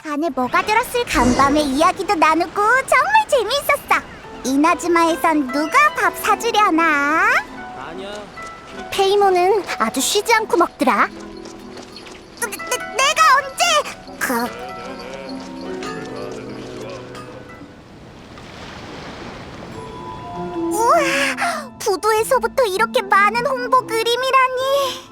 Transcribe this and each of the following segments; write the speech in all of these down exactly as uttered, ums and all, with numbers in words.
안에 뭐가 들었을 간밤에 이야기도 나누고 정말 재미있었어. 이나즈마에선 누가 밥 사주려나? 아니야. 페이몬은 아주 쉬지 않고 먹더라. 내, 내, 내가 언제? 그... 우와, 부두에서부터 이렇게 많은 홍보 그림이라니.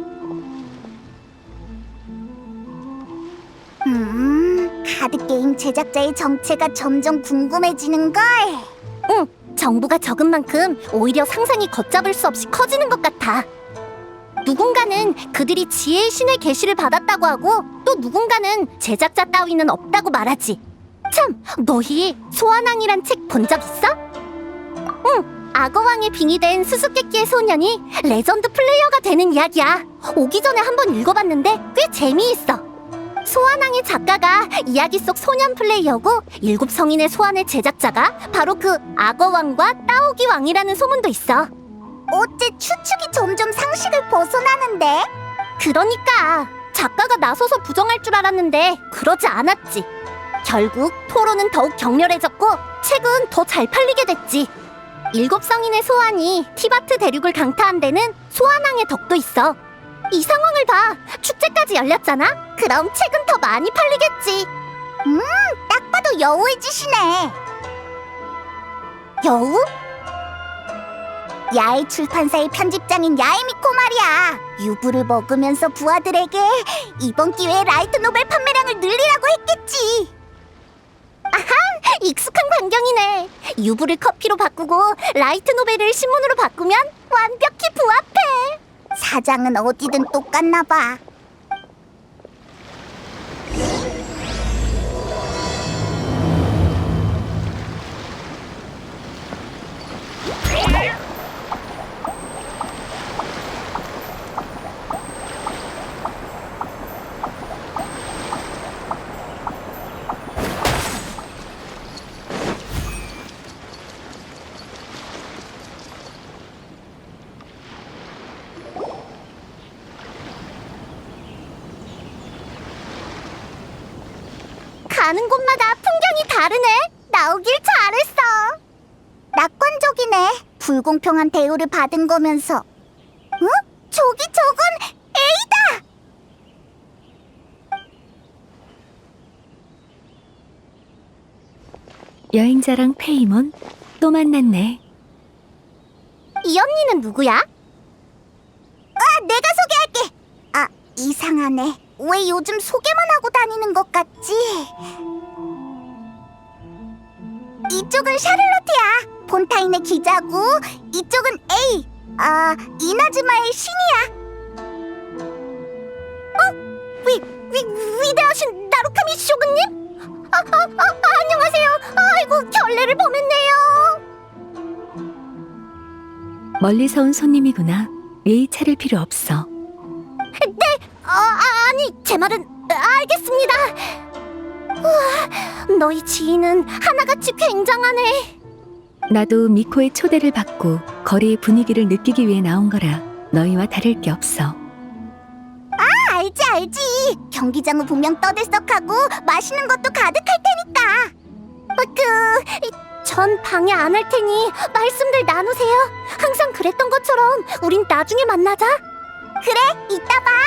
음, 카드게임 제작자의 정체가 점점 궁금해지는걸. 응, 정보가 적은 만큼 오히려 상상이 걷잡을 수 없이 커지는 것 같아. 누군가는 그들이 지혜의 신의 계시를 받았다고 하고, 또 누군가는 제작자 따위는 없다고 말하지. 참, 너희 소환왕이란 책 본 적 있어? 응, 악어왕에 빙의된 수수께끼의 소년이 레전드 플레이어가 되는 이야기야. 오기 전에 한번 읽어봤는데 꽤 재미있어. 소환왕의 작가가 이야기 속 소년 플레이어고, 일곱 성인의 소환의 제작자가 바로 그 악어왕과 따오기 왕이라는 소문도 있어. 어째 추측이 점점 상식을 벗어나는데? 그러니까 작가가 나서서 부정할 줄 알았는데 그러지 않았지. 결국 토론은 더욱 격렬해졌고 책은 더 잘 팔리게 됐지. 일곱 성인의 소환이 티바트 대륙을 강타한 데는 소환왕의 덕도 있어. 이 상황을 봐. 축제까지 열렸잖아? 그럼 책은 더 많이 팔리겠지. 음, 딱 봐도 여우의 짓이네. 여우? 야외 출판사의 편집장인 야에미코 말이야. 유부를 먹으면서 부하들에게 이번 기회에 라이트 노벨 판매량을 늘리라고 했겠지. 아하, 익숙한 광경이네. 유부를 커피로 바꾸고 라이트 노벨을 신문으로 바꾸면 완벽히 부합해. 사장은 어디든 똑같나 봐. 가는 곳마다 풍경이 다르네. 나오길 잘했어. 낙관적이네. 불공평한 대우를 받은 거면서. 어? 저기 저건 A다! 여행자랑 페이몬 또 만났네. 이 언니는 누구야? 아, 내가 소개할게. 아, 이상하네. 왜 요즘 소개만 하고 다니는 것 같지? 이쪽은 샤를로트야. 폰타인의 기자고, 이쪽은 A. 아, 이나즈마의 신이야. 어? 위, 위, 위대하신 나루카미 쇼군님? 아, 아, 아, 안녕하세요. 아이고, 결례를 범했네요. 멀리서 온 손님이구나. 예의 차릴 필요 없어. 네, 어, 아, 아니, 제 말은 알겠습니다. 우와, 너희 지인은 하나같이 굉장하네. 나도 미코의 초대를 받고 거리의 분위기를 느끼기 위해 나온 거라 너희와 다를 게 없어. 아, 알지 알지. 경기장은 분명 떠들썩하고 맛있는 것도 가득할 테니까. 어, 그, 전 방해 안 할 테니 말씀들 나누세요. 항상 그랬던 것처럼 우린 나중에 만나자. 그래, 이따 봐.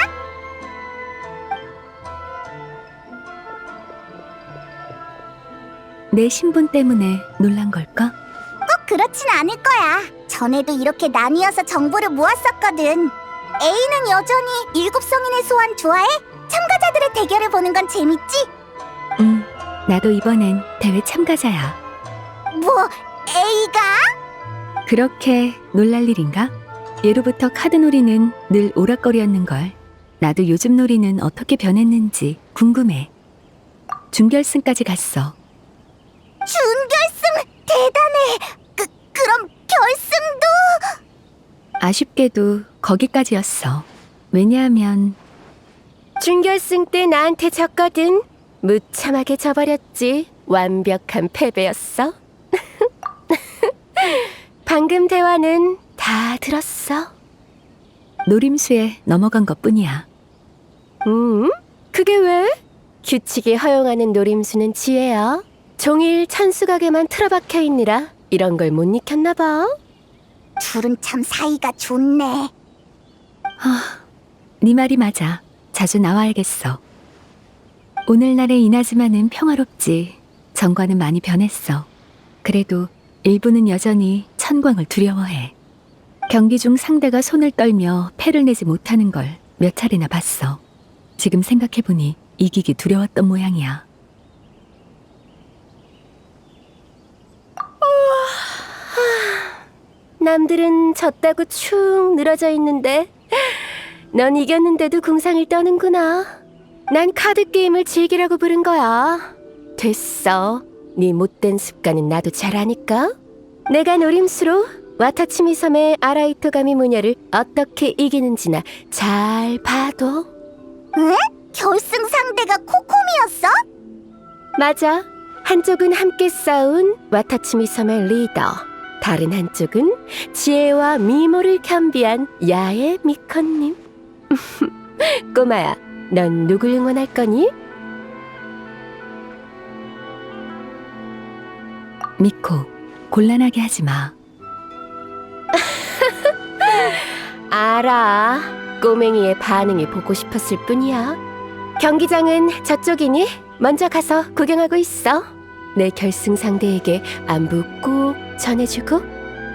내 신분 때문에 놀란 걸까? 꼭 그렇진 않을 거야. 전에도 이렇게 나뉘어서 정보를 모았었거든. A는 여전히 일곱 성인의 소환 좋아해? 참가자들의 대결을 보는 건 재밌지? 응, 나도 이번엔 대회 참가자야. 뭐, A가? 그렇게 놀랄 일인가? 예로부터 카드놀이는 늘 오락거리였는걸. 나도 요즘 놀이는 어떻게 변했는지 궁금해. 준결승까지 갔어. 준결승 대단해. 그 그럼 결승도? 아쉽게도 거기까지였어. 왜냐하면 준결승 때 나한테 졌거든. 무참하게 져버렸지. 완벽한 패배였어. 방금 대화는 다 들었어. 노림수에 넘어간 것뿐이야. 음? 그게 왜? 규칙이 허용하는 노림수는 지혜야. 종일 천수각에만 틀어박혀 있느라 이런 걸 못 익혔나 봐. 둘은 참 사이가 좋네. 네 말이 맞아. 자주 나와야겠어. 오늘날의 이나즈마는 평화롭지. 전과는 많이 변했어. 그래도 일부는 여전히 천광을 두려워해. 경기 중 상대가 손을 떨며 패를 내지 못하는 걸 몇 차례나 봤어. 지금 생각해보니 이기기 두려웠던 모양이야. 남들은 졌다고 축 늘어져 있는데 넌 이겼는데도 궁상을 떠는구나. 난 카드 게임을 즐기라고 부른 거야. 됐어. 네 못된 습관은 나도 잘 아니까. 내가 노림수로 와타치미 섬의 아라이토 가미 무녀를 어떻게 이기는지나 잘 봐도. 응? 결승 상대가 코코미였어? 맞아. 한쪽은 함께 싸운 와타치미 섬의 리더, 다른 한쪽은 지혜와 미모를 겸비한 야의 미컨님. 꼬마야, 넌 누굴 응원할 거니? 미코, 곤란하게 하지 마. 알아. 꼬맹이의 반응이 보고 싶었을 뿐이야. 경기장은 저쪽이니 먼저 가서 구경하고 있어. 내 결승 상대에게 안부 꼭 전해주고.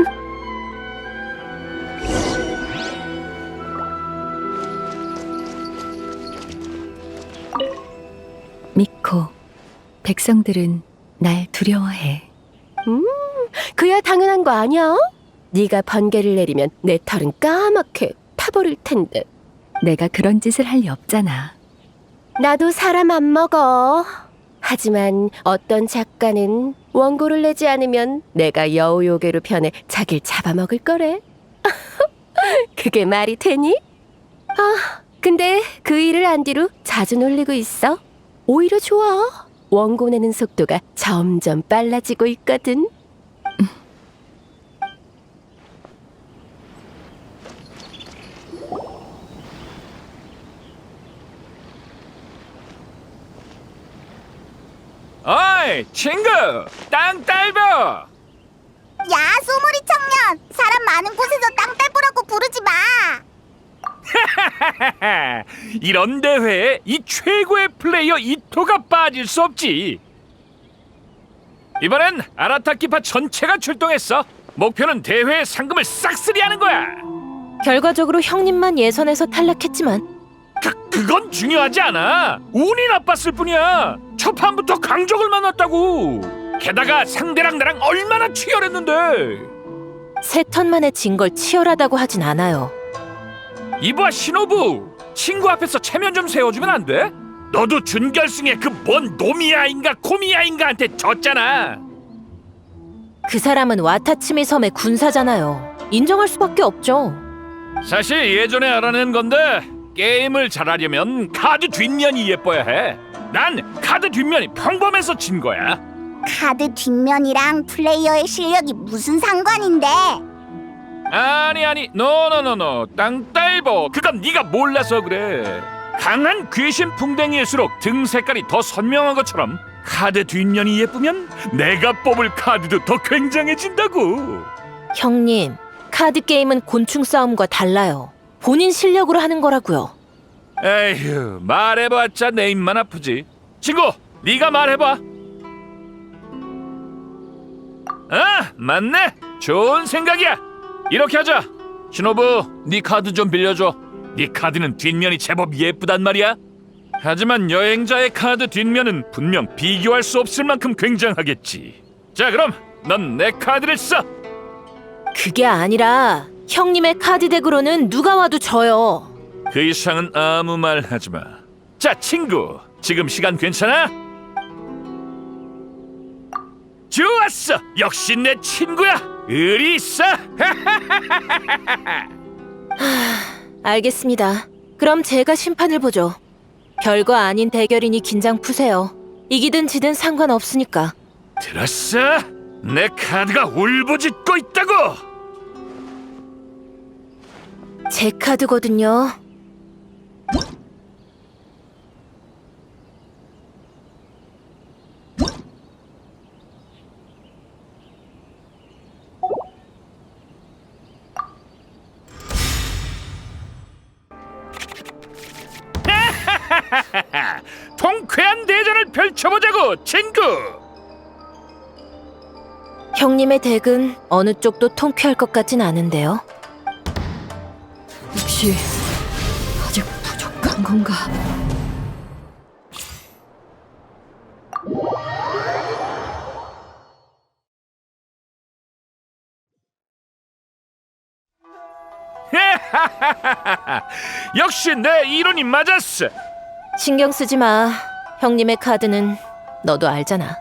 미코, 백성들은 날 두려워해. 그야 당연한 거 아니야? 네가 번개를 내리면 내 털은 까맣게 타버릴 텐데. 내가 그런 짓을 할 리 없잖아. 나도 사람 안 먹어. 하지만 어떤 작가는 원고를 내지 않으면 내가 여우요괴로 변해 자기를 잡아먹을 거래. 그게 말이 되니? 아, 근데 그 일을 안 뒤로 자주 놀리고 있어. 오히려 좋아. 원고 내는 속도가 점점 빨라지고 있거든. 어이 친구 땅 딸보. 야, 소머리 청년! 사람 많은 곳에서 땅딸보라고 부르지 마! 이런 대회에 이 최고의 플레이어 이토가 빠질 수 없지. 이번엔 아라타키파 전체가 출동했어. 목표는 대회 상금을 싹쓸이하는 거야. 결과적으로 형님만 예선에서 탈락했지만 그, 그건 중요하지 않아. 운이 나빴을 뿐이야. 첫 판부터 강적을 만났다고. 게다가 상대랑 나랑 얼마나 치열했는데. 세 턴 만에 진 걸 치열하다고 하진 않아요. 이봐 신호부, 친구 앞에서 체면 좀 세워주면 안 돼? 너도 준결승에 그 뭔 노미야인가 코미야인가한테 졌잖아. 그 사람은 와타치미 섬의 군사잖아요. 인정할 수밖에 없죠. 사실 예전에 알아낸 건데 게임을 잘하려면 카드 뒷면이 예뻐야 해. 난 카드 뒷면이 평범해서 진 거야. 카드 뒷면이랑 플레이어의 실력이 무슨 상관인데? 아니 아니 노노노노 땅딸보, 그건 네가 몰라서 그래. 강한 귀신 풍뎅이일수록 등 색깔이 더 선명한 것처럼 카드 뒷면이 예쁘면 내가 뽑을 카드도 더 굉장해진다고. 형님, 카드 게임은 곤충 싸움과 달라요. 본인 실력으로 하는 거라고요. 에휴, 말해봤자 내 입만 아프지. 친구, 네가 말해봐. 아, 맞네. 좋은 생각이야. 이렇게 하자. 신호부, 네 카드 좀 빌려줘. 네 카드는 뒷면이 제법 예쁘단 말이야. 하지만 여행자의 카드 뒷면은 분명 비교할 수 없을 만큼 굉장하겠지. 자, 그럼 넌 내 카드를 써. 그게 아니라 형님의 카드 덱으로는 누가 와도 져요. 그 이상은 아무 말 하지 마. 자, 친구, 지금 시간 괜찮아? 좋았어. 역시 내 친구야. 의리 있어. 알겠습니다. 그럼 제가 심판을 보죠. 별거 아닌 대결이니 긴장 푸세요. 이기든 지든 상관없으니까. 들었어? 내 카드가 울부짖고 있다고. 제 카드거든요. 통쾌한 대전을 펼쳐보자고, 친구. 형님의 덱은 어느 쪽도 통쾌할 것 같진 않은데요. 혹시 아직 부족한 건가? 역시 내 이론이 맞았어. 신경 쓰지 마. 형님의 카드는 너도 알잖아.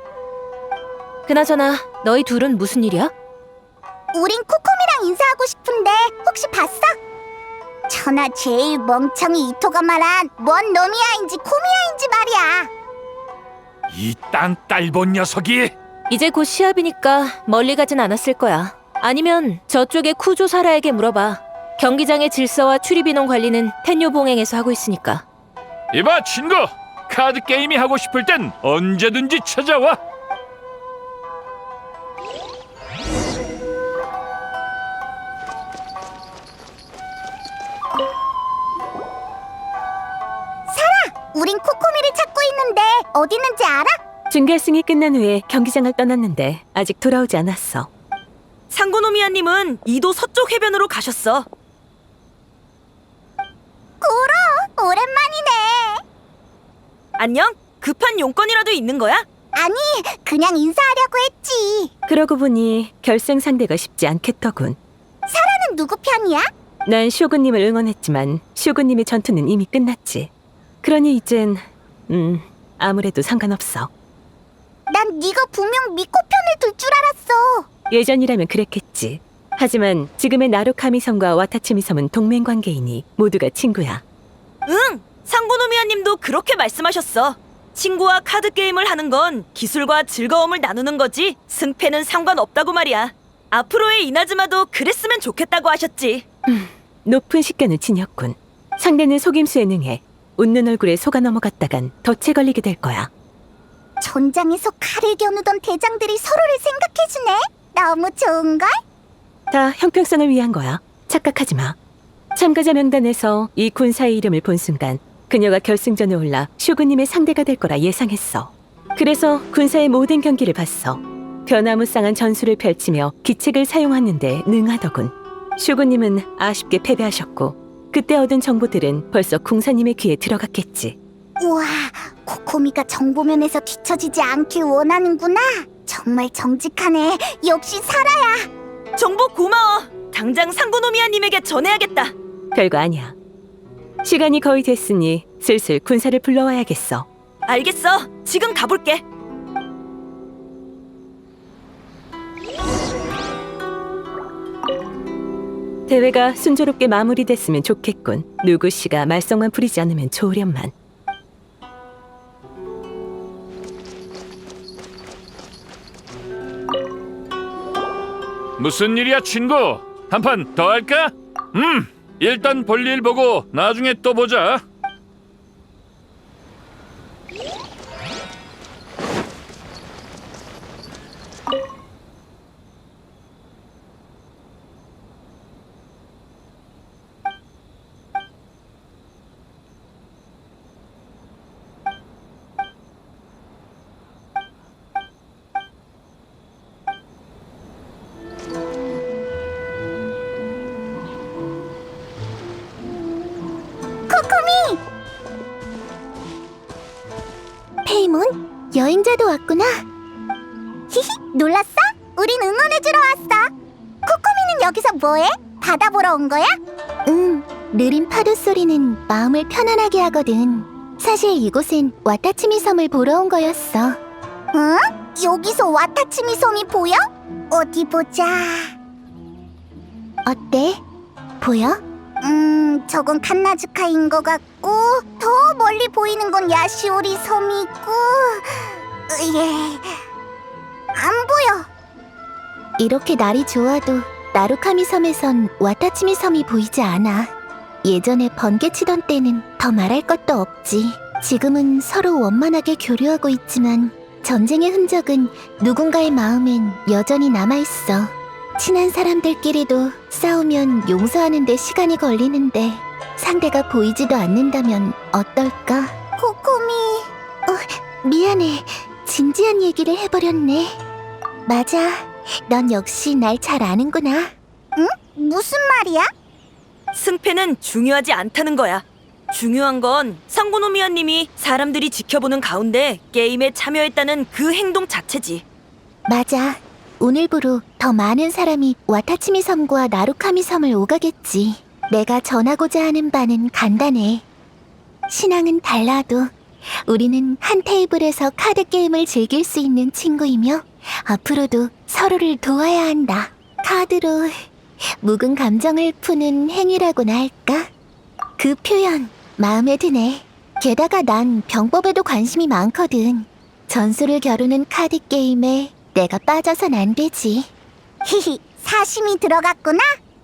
그나저나 너희 둘은 무슨 일이야? 우린 코코미랑 인사하고 싶은데 혹시 봤어? 천하 제일 멍청이 이토가 말한 뭔 놈이야인지 코미야인지 말이야. 이 땅 딸본 녀석이. 이제 곧 시합이니까 멀리 가진 않았을 거야. 아니면 저쪽의 쿠조 사라에게 물어봐. 경기장의 질서와 출입인원 관리는 텐요 봉행에서 하고 있으니까. 이봐, 친구. 카드 게임이 하고 싶을 땐 언제든지 찾아와. 우린 코코미를 찾고 있는데 어디 있는지 알아? 준결승이 끝난 후에 경기장을 떠났는데 아직 돌아오지 않았어. 상고노미아님은 이도 서쪽 해변으로 가셨어. 고로 오랜만이네. 안녕? 급한 용건이라도 있는 거야? 아니 그냥 인사하려고 했지. 그러고 보니 결승 상대가 쉽지 않겠더군. 사라는 누구 편이야? 난 쇼군님을 응원했지만 쇼군님의 전투는 이미 끝났지. 그러니 이젠 음 아무래도 상관없어. 난 네가 분명 미코 편을 들 줄 알았어. 예전이라면 그랬겠지. 하지만 지금의 나루카미 섬과 와타치미 섬은 동맹 관계이니 모두가 친구야. 응! 상고노미아님도 그렇게 말씀하셨어. 친구와 카드 게임을 하는 건 기술과 즐거움을 나누는 거지 승패는 상관없다고 말이야. 앞으로의 이나즈마도 그랬으면 좋겠다고 하셨지. 높은 식견을 지녔군. 상대는 속임수에 능해 웃는 얼굴에 속아 넘어갔다간 덫에 걸리게 될 거야. 전장에서 칼을 겨누던 대장들이 서로를 생각해주네. 너무 좋은걸? 다 형평성을 위한 거야. 착각하지 마. 참가자 명단에서 이 군사의 이름을 본 순간 그녀가 결승전에 올라 쇼군님의 상대가 될 거라 예상했어. 그래서 군사의 모든 경기를 봤어. 변화무쌍한 전술을 펼치며 기책을 사용하는데 능하더군. 쇼군님은 아쉽게 패배하셨고 그때 얻은 정보들은 벌써 궁사님의 귀에 들어갔겠지. 우와, 코코미가 정보면에서 뒤처지지 않길 원하는구나. 정말 정직하네. 역시 사라야. 정보 고마워. 당장 상고노미아님에게 전해야겠다. 별거 아니야. 시간이 거의 됐으니 슬슬 군사를 불러와야겠어. 알겠어. 지금 가볼게. 대회가 순조롭게 마무리됐으면 좋겠군. 누구 씨가 말썽만 부리지 않으면 좋으련만. 무슨 일이야, 친구? 한 판 더 할까? 음, 일단 볼일 보고 나중에 또 보자. 코코미! 페이몬? 여행자도 왔구나. 히히, 놀랐어? 우린 응원해주러 왔어. 코코미는 여기서 뭐해? 바다 보러 온 거야? 응, 느린 파도 소리는 마음을 편안하게 하거든. 사실 이곳엔 와타치미 섬을 보러 온 거였어. 응? 여기서 와타치미 섬이 보여? 어디 보자. 어때? 보여? 음, 저건 칸나즈카인 것 같고 더 멀리 보이는 건 야시오리 섬이고 예, 안 보여. 이렇게 날이 좋아도 나루카미 섬에선 와타치미 섬이 보이지 않아. 예전에 번개치던 때는 더 말할 것도 없지. 지금은 서로 원만하게 교류하고 있지만 전쟁의 흔적은 누군가의 마음엔 여전히 남아있어. 친한 사람들끼리도 싸우면 용서하는 데 시간이 걸리는데 상대가 보이지도 않는다면 어떨까? 코코미... 어, 미안해. 진지한 얘기를 해버렸네. 맞아. 넌 역시 날 잘 아는구나. 응? 무슨 말이야? 승패는 중요하지 않다는 거야. 중요한 건 상고노미아님이 사람들이 지켜보는 가운데 게임에 참여했다는 그 행동 자체지. 맞아. 오늘부로 더 많은 사람이 와타치미 섬과 나루카미 섬을 오가겠지. 내가 전하고자 하는 바는 간단해. 신앙은 달라도 우리는 한 테이블에서 카드 게임을 즐길 수 있는 친구이며 앞으로도 서로를 도와야 한다. 카드로 묵은 감정을 푸는 행위라고나 할까? 그 표현 마음에 드네. 게다가 난 병법에도 관심이 많거든. 전술을 겨루는 카드 게임에 내가 빠져선 안 되지. 히히, 사심이 들어갔구나?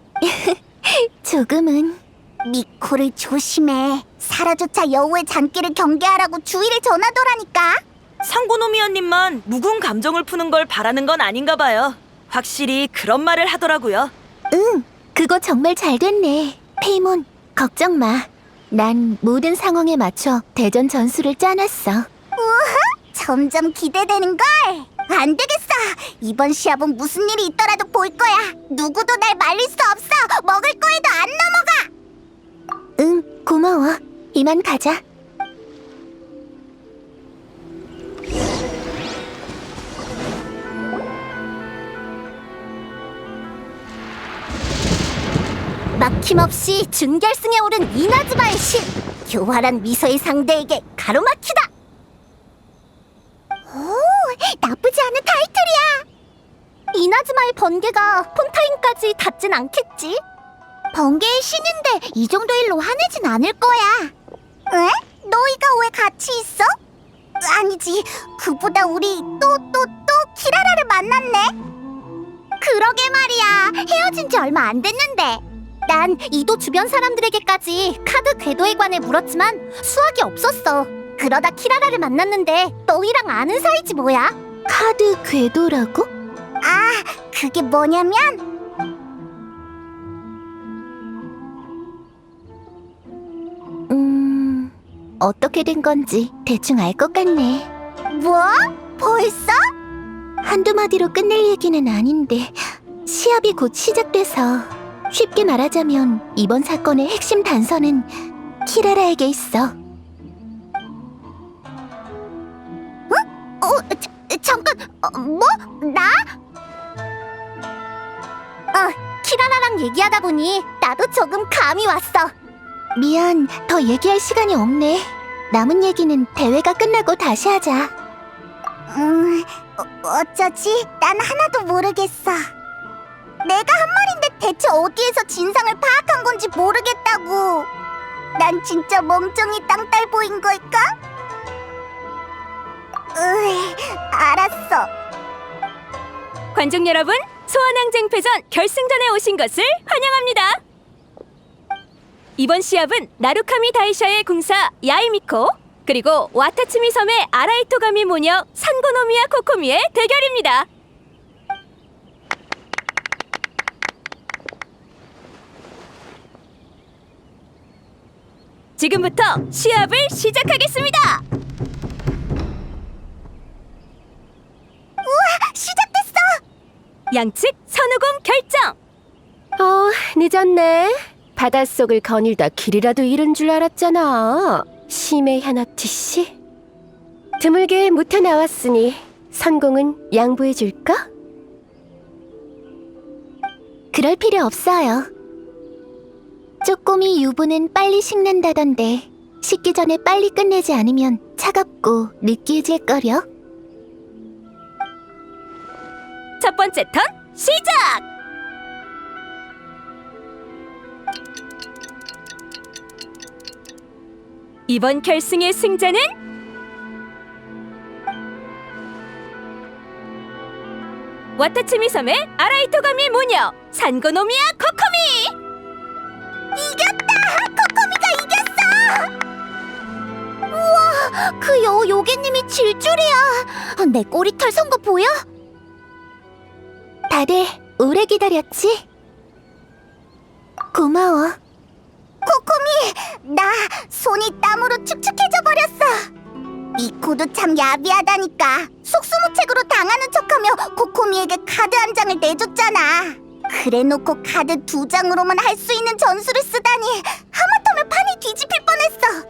조금은. 미코를 조심해. 사라조차 여우의 잔기를 경계하라고 주의를 전하더라니까. 상고노미아님만 묵은 감정을 푸는 걸 바라는 건 아닌가 봐요. 확실히 그런 말을 하더라고요. 응, 그거 정말 잘 됐네. 페이몬, 걱정 마. 난 모든 상황에 맞춰 대전 전술을 짜놨어. 우와, 점점 기대되는걸. 안 되겠어. 이번 시합은 무슨 일이 있더라도 볼 거야. 누구도 날 말릴 수 없어. 먹을 거에도 안 넘어가. 응, 고마워. 이만 가자. 막힘없이 준결승에 오른 이나즈마의 신. 교활한 미소의 상대에게 가로막히다. 오, 나쁘지 않은 타이틀이야. 이나즈마의 번개가 폰타인까지 닿진 않겠지? 번개의 신인데 이 정도 일로 화내진 않을 거야. 에? 너희가 왜 같이 있어? 아니지, 그보다 우리 또 또 또 키라라를 만났네. 그러게 말이야. 헤어진 지 얼마 안 됐는데. 난 이도 주변 사람들에게까지 카드 궤도에 관해 물었지만 수확이 없었어. 그러다 키라라를 만났는데 너희랑 아는 사이지 뭐야? 카드 궤도라고? 아, 그게 뭐냐면 음... 어떻게 된 건지 대충 알 것 같네. 뭐? 벌써? 한두 마디로 끝낼 얘기는 아닌데 시합이 곧 시작돼서 쉽게 말하자면 이번 사건의 핵심 단서는 키라라에게 있어. 어? 어? 자, 잠깐, 어, 뭐? 나? 어, 키라라랑 얘기하다 보니 나도 조금 감이 왔어. 미안, 더 얘기할 시간이 없네. 남은 얘기는 대회가 끝나고 다시 하자. 음, 어, 어쩌지? 난 하나도 모르겠어. 내가 한 말인데 대체 어디에서 진상을 파악한 건지 모르겠다고. 난 진짜 멍청이 땅딸 보인 걸까? 으이, 알았어. 관중 여러분, 소환항쟁패전 결승전에 오신 것을 환영합니다. 이번 시합은 나루카미 다이샤의 궁사 야이미코 그리고 와타츠미 섬의 아라이토가미 모녀 산고노미야 코코미의 대결입니다. 지금부터 시합을 시작하겠습니다. 우와, 시작됐어. 양측 선우공 결정. 어, 늦었네. 바닷속을 거닐다 길이라도 잃은 줄 알았잖아. 심해 하나티 씨. 드물게 묻혀 나왔으니 선공은 양보해 줄까? 그럴 필요 없어요. 쪼꼬미 유부는 빨리 식는다던데 식기 전에 빨리 끝내지 않으면 차갑고 느끼해질거려. 첫 번째 턴 시작! 이번 결승의 승자는 와타츠미 섬의 아라이토가미 모녀 산고노미야 코코미! 이겼다! 코코미가 이겼어! 우와, 그 여우 요괴님이 질 줄이야. 내 꼬리털 선거 보여? 다들 오래 기다렸지? 고마워. 코코미, 나 손이 땀으로 축축해져 버렸어. 미코도 참 야비하다니까. 속수무책으로 당하는 척하며 코코미에게 카드 한 장을 내줬잖아. 그래놓고 카드 두 장으로만 할 수 있는 전술을 쓰다니 하마터면 판이 뒤집힐 뻔했어.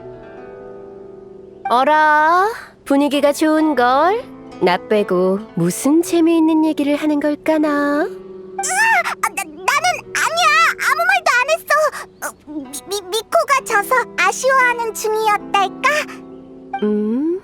어라, 분위기가 좋은걸? 나 빼고 무슨 재미있는 얘기를 하는 걸까나? 아, 나, 나는 아니야. 아무 말도 안 했어. 어, 미, 미, 미코가 져서 아쉬워하는 중이었달까? 음,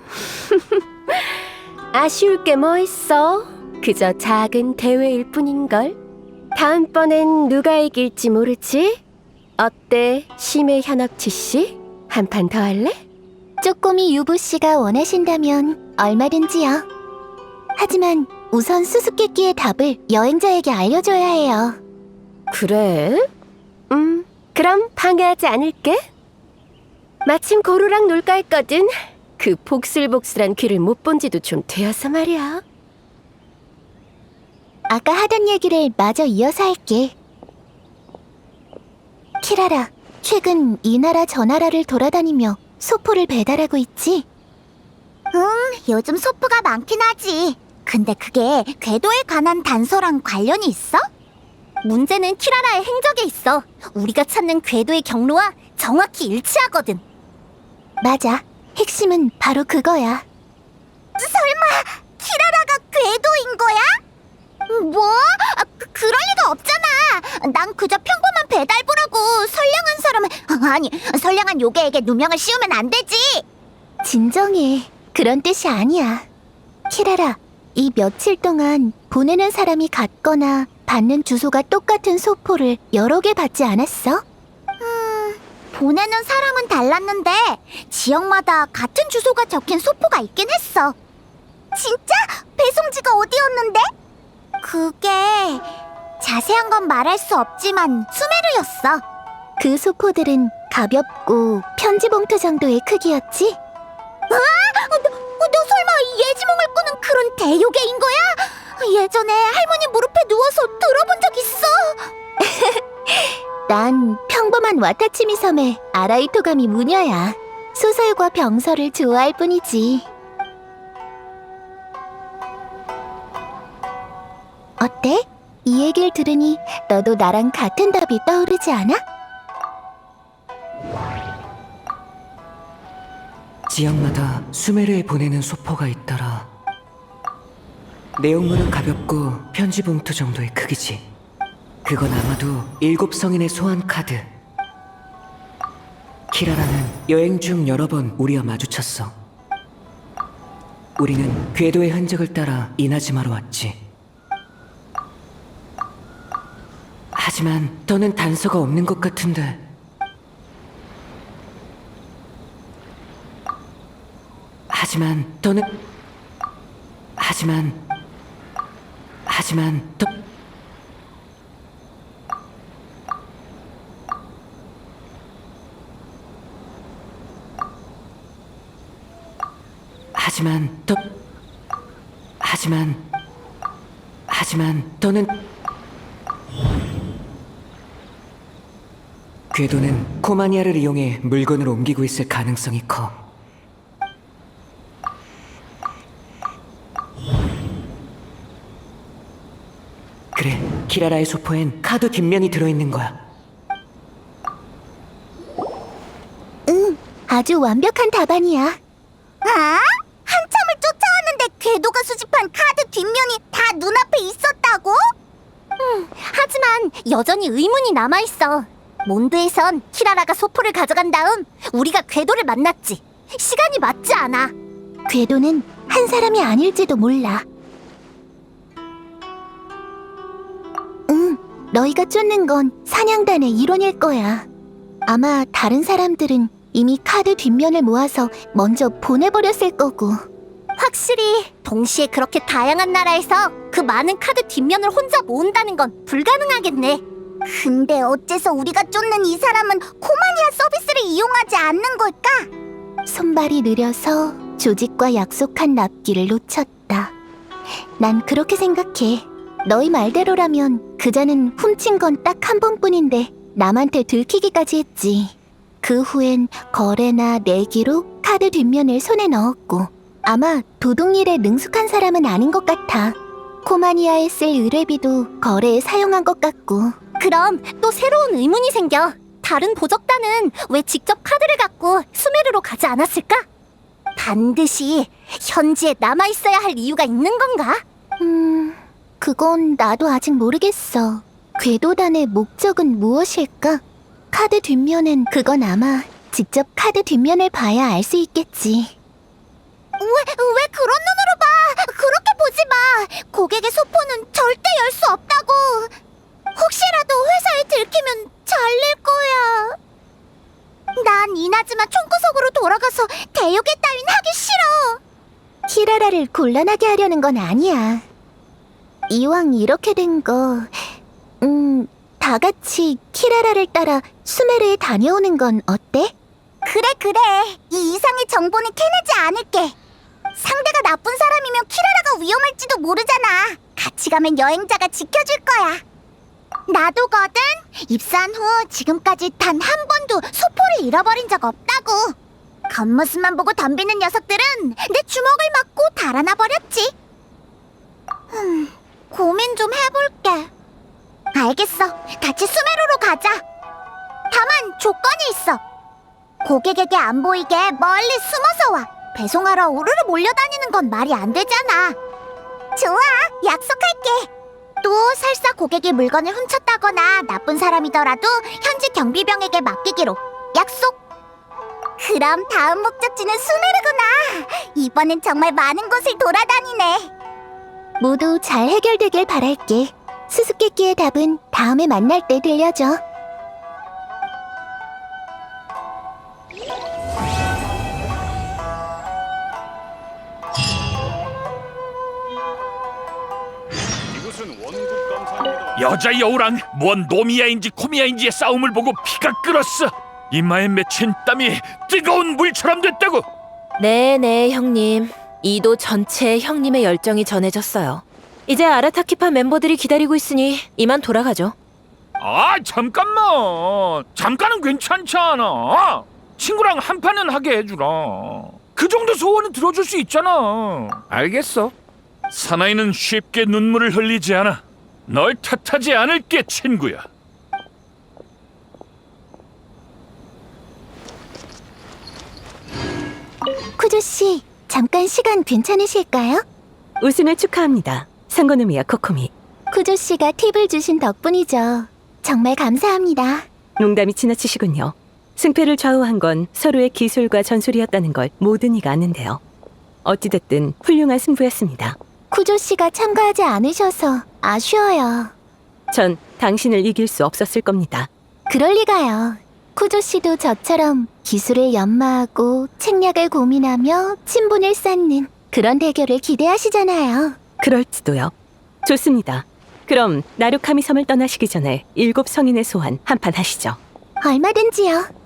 아쉬울 게 뭐 있어? 그저 작은 대회일 뿐인걸. 다음번엔 누가 이길지 모르지? 어때, 심해 현악치 씨? 한 판 더 할래? 쪼꼬미 유부 씨가 원하신다면 얼마든지요. 하지만 우선 수수께끼의 답을 여행자에게 알려줘야 해요. 그래? 음, 그럼 방해하지 않을게. 마침 고루랑 놀까 했거든. 그 복슬복슬한 귀를 못 본 지도 좀 되어서 말이야. 아까 하던 얘기를 마저 이어서 할게. 키라라, 최근 이 나라 저 나라를 돌아다니며 소포를 배달하고 있지? 응, 요즘 소포가 많긴 하지. 근데 그게 궤도에 관한 단서랑 관련이 있어? 문제는 키라라의 행적에 있어. 우리가 찾는 궤도의 경로와 정확히 일치하거든. 맞아. 핵심은 바로 그거야. 설마 키라라가 궤도인 거야? 뭐? 아, 그, 그럴 리가 없잖아. 난 그저 평범한 배달부라고. 선량한 사람은 아니 선량한 요괴에게 누명을 씌우면 안 되지. 진정해. 그런 뜻이 아니야. 키라라, 이 며칠 동안 보내는 사람이 같거나 받는 주소가 똑같은 소포를 여러 개 받지 않았어? 음, 보내는 사람은 달랐는데 지역마다 같은 주소가 적힌 소포가 있긴 했어. 진짜? 배송지가 어디였는데? 그게 자세한 건 말할 수 없지만 수메르였어. 그 소포들은 가볍고 편지 봉투 정도의 크기였지? 아! 너, 너 설마 예지몽을 꾸는 그런 대요괴인 거야? 예전에 할머니 무릎에 누워서 들어본 적 있어. 난 평범한 와타치미 섬의 아라이토가미 무녀야. 소설과 병설을 좋아할 뿐이지. 어때? 이 얘기를 들으니 너도 나랑 같은 답이 떠오르지 않아? 지역마다 수메르에 보내는 소포가 있더라. 내용물은 가볍고 편지 봉투 정도의 크기지. 그건 아마도 일곱 성인의 소환 카드. 키라라는 여행 중 여러 번 우리와 마주쳤어. 우리는 궤도의 흔적을 따라 이나즈마로 왔지. 하지만 더는 단서가 없는 것 같은데. 하지만 더는 하지만 하지만 더 하지만 더 하지만 하지만 더는 궤도는 코마니아를 이용해 물건을 옮기고 있을 가능성이 커. 그래, 키라라의 소포엔 카드 뒷면이 들어있는 거야. 응, 아주 완벽한 답안이야. 아? 한참을 쫓아왔는데 궤도가 수집한 카드 뒷면이 다 눈앞에 있었다고? 음, 하지만 여전히 의문이 남아있어. 몬드에선 키라라가 소포를 가져간 다음 우리가 궤도를 만났지. 시간이 맞지 않아. 궤도는 한 사람이 아닐지도 몰라. 응, 너희가 쫓는 건 사냥단의 일원일 거야. 아마 다른 사람들은 이미 카드 뒷면을 모아서 먼저 보내버렸을 거고. 확실히 동시에 그렇게 다양한 나라에서 그 많은 카드 뒷면을 혼자 모은다는 건 불가능하겠네. 근데 어째서 우리가 쫓는 이 사람은 코마니아 서비스를 이용하지 않는 걸까? 손발이 느려서 조직과 약속한 납기를 놓쳤다. 난 그렇게 생각해. 너희 말대로라면 그자는 훔친 건 딱 한 번뿐인데 남한테 들키기까지 했지. 그 후엔 거래나 내기로 카드 뒷면을 손에 넣었고 아마 도둑일에 능숙한 사람은 아닌 것 같아. 코마니아에 쓸 의뢰비도 거래에 사용한 것 같고. 그럼 또 새로운 의문이 생겨. 다른 보적단은 왜 직접 카드를 갖고 수메르로 가지 않았을까? 반드시 현지에 남아있어야 할 이유가 있는 건가? 음... 그건 나도 아직 모르겠어. 궤도단의 목적은 무엇일까? 카드 뒷면엔 그건 아마 직접 카드 뒷면을 봐야 알 수 있겠지. 왜, 왜 그런 눈으로 봐? 그렇게 보지 마. 고객의 소포는 절대 열 수 없다고. 혹시라도 회사에 들키면 잘릴 거야. 난 이나즈마 총구석으로 돌아가서 대욕의 따윈 하기 싫어. 키라라를 곤란하게 하려는 건 아니야. 이왕 이렇게 된 거, 음, 다 같이 키라라를 따라 수메르에 다녀오는 건 어때? 그래, 그래. 이 이상의 정보는 캐내지 않을게. 상대가 나쁜 사람이면 키라라가 위험할지도 모르잖아. 같이 가면 여행자가 지켜줄 거야. 나도거든. 입사한 후 지금까지 단 한 번도 소포를 잃어버린 적 없다고. 겉모습만 보고 덤비는 녀석들은 내 주먹을 맞고 달아나 버렸지. 흠, 고민 좀 해볼게. 알겠어. 같이 수메르로 가자. 다만 조건이 있어. 고객에게 안 보이게 멀리 숨어서 와. 배송하러 우르르 몰려다니는 건 말이 안 되잖아. 좋아, 약속할게. 또 설사 고객이 물건을 훔쳤다거나 나쁜 사람이더라도 현지 경비병에게 맡기기로 약속. 그럼 다음 목적지는 수메르구나. 이번엔 정말 많은 곳을 돌아다니네. 모두 잘 해결되길 바랄게. 수수께끼의 답은 다음에 만날 때 들려줘. 여자 여우랑 뭔 노미야인지 코미야인지의 싸움을 보고 피가 끓었어. 이마에 맺힌 땀이 뜨거운 물처럼 됐다고. 네네 형님. 이도 전체에 형님의 열정이 전해졌어요. 이제 아라타키파 멤버들이 기다리고 있으니 이만 돌아가죠. 아 잠깐만. 잠깐은 괜찮지 않아. 친구랑 한 판은 하게 해주라. 그 정도 소원은 들어줄 수 있잖아. 알겠어. 사나이는 쉽게 눈물을 흘리지 않아. 널 탓하지 않을게 친구야. 쿠조 씨, 잠깐 시간 괜찮으실까요? 우승을 축하합니다. 상고노미야 코코미. 쿠조 씨가 팁을 주신 덕분이죠. 정말 감사합니다. 농담이 지나치시군요. 승패를 좌우한 건 서로의 기술과 전술이었다는 걸 모든 이가 아는데요. 어찌됐든 훌륭한 승부였습니다. 쿠조 씨가 참가하지 않으셔서 아쉬워요. 전 당신을 이길 수 없었을 겁니다. 그럴 리가요. 쿠조 씨도 저처럼 기술을 연마하고 책략을 고민하며 친분을 쌓는 그런 대결을 기대하시잖아요. 그럴지도요. 좋습니다. 그럼 나루카미 섬을 떠나시기 전에 일곱 성인의 소환 한판 하시죠. 얼마든지요.